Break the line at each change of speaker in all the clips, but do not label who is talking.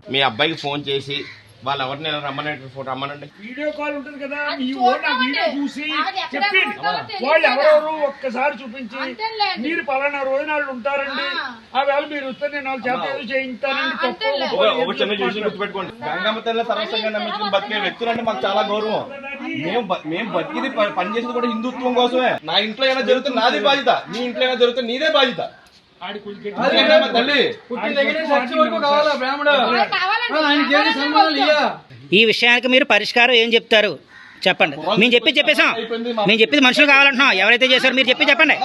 మీ అబ్బాయికి ఫోన్ చేసి వాళ్ళు ఎవరిని రమ్మనండి, ఫోటో రమ్మనండి.
వీడియో కాల్ ఉంటుంది కదా, మీ ఓన్ వీడియో చూసి చెప్పి వాళ్ళు ఎవరెవరు ఒక్కసారి చూపించి మీరు పలానా రోజు నాళ్ళు ఉంటారండి, ఆ వేళ మీరు వస్తే నేను వాళ్ళు చేత ఏదో చేయించానండి.
ఒక చిన్న విషయం గుర్తుపెట్టుకోండి, గంగమ్మ తల్లి సర్వస్వంగా నమ్మించుకుని బతికే వ్యక్తులంటే మాకు చాలా గౌరవం. మేము బతికిది పనిచేసేది కూడా హిందుత్వం కోసమే. నా ఇంట్లో ఏమైనా జరుగుతుంది నాదే బాధ్యత, నీ ఇంట్లో ఏమైనా జరుగుతుంది నీదే బాధ్యత.
ఈ విషయానికి మీరు పరిష్కారం ఏం చెప్తారు చెప్పండి. మేము చెప్పేసాం, మేము చెప్పింది మనుషులు కావాలంటున్నాం. ఎవరైతే చేశారో మీరు చెప్పండి.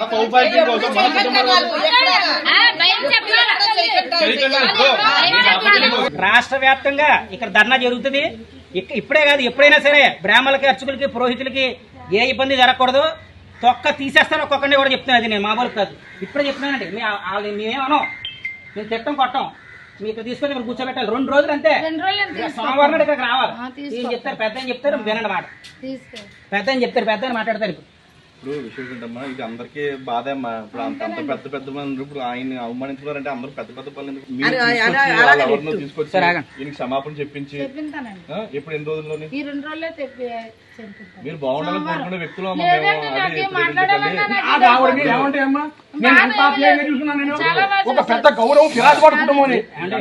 రాష్ట్ర వ్యాప్తంగా ఇక్కడ ధర్నా జరుగుతుంది. ఇప్పుడే కాదు, ఎప్పుడైనా సరే బ్రాహ్మణులకి, అర్చకులకి, పురోహితులకి ఏ ఇబ్బంది జరగకూడదు. తొక్క తీసేస్తాను ఒక్కొక్కరిని కూడా చెప్తున్నాను. అది నేను మామూలు కాదు, ఇప్పుడే చెప్తున్నానండి. మేమేమనం, మేము తిట్టం కొట్టం. మీ ఇక్కడ తీసుకొని ఇక్కడ కూర్చోబెట్టాలి 2 రోజులు అంతే. సోమవారం నాడు ఇక్కడికి రావాలి. చెప్తారు, పెద్ద అని చెప్తారు, వినండి మాట. పెద్ద అని చెప్తారు, పెద్ద అని మాట్లాడతారు.
ఇప్పుడు విషయం ఏంటమ్మా, ఇది అందరికీ బాధ అమ్మా. ఇప్పుడు అంత పెద్ద మంది ఇప్పుడు ఆయన అవమానించుకున్నారంటే అందరూ పెద్ద పనులు ఎవరినో తీసుకొచ్చి ఈయనకి క్షమాపణ చెప్పించి ఇప్పుడు ఎన్ని రోజుల్లోనే మీరు బాగుండాలని కోరుకునే వ్యక్తులు
ఒక పెద్ద గౌరవం పిరాజపాటు కుటుంబం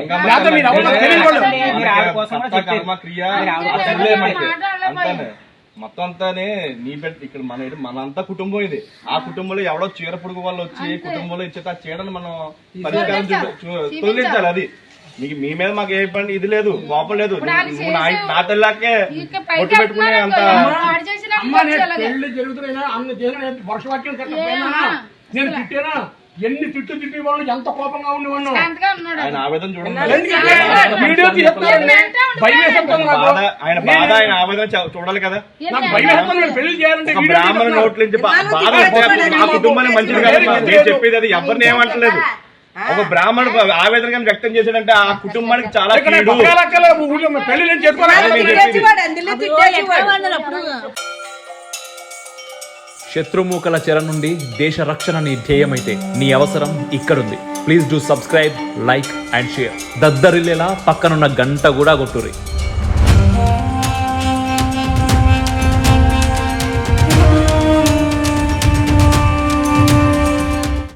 అంతానే మొత్తం అంతానే నీ బిడ్డ ఇక్కడ మనంతా కుటుంబం ఇది. ఆ కుటుంబంలో ఎవడో చీర పొడుగు వాళ్ళు వచ్చి కుటుంబంలో ఇచ్చే ఆ చీరను మనం పరిష్కారం తొలగించాలి. అది మీకు మీ మీద మాకు ఏ పని ఇది లేదు, కోపం లేదు. నువ్వు నా తల్లాకే పొట్టు పెట్టుకునే అంత
పెళ్లి జరుగుతున్నా వర్షవాక్యం నేను తిట్టానా, ఎన్ని తిట్టి వాళ్ళు ఎంత కోపంగా ఉండేవాళ్ళు.
ఆయన ఆవేదన చూడండి, ఆయన బాధ, ఆయన ఆవేదన చూడాలి కదా.
పెళ్లి చేయాలంటే
బ్రాహ్మణ నోట్ల నుంచి బాధ మా కుటుంబానికి మంచిది కదా నేను చెప్పేది. అది ఎవరిని ఏమంటలేదు. ఒక బ్రాహ్మణుడు ఆవేదన వ్యక్తం చేశాడంటే ఆ కుటుంబానికి చాలా
శత్రుమూకల చెర నుండి దేశ రక్షణ నీ ధ్యేయమైతే నీ అవసరం ఇక్కడుంది. Please do subscribe, like and share. దద్దరిల్లేలా పక్కనున్న గంట కూడా కొట్టుర్రి.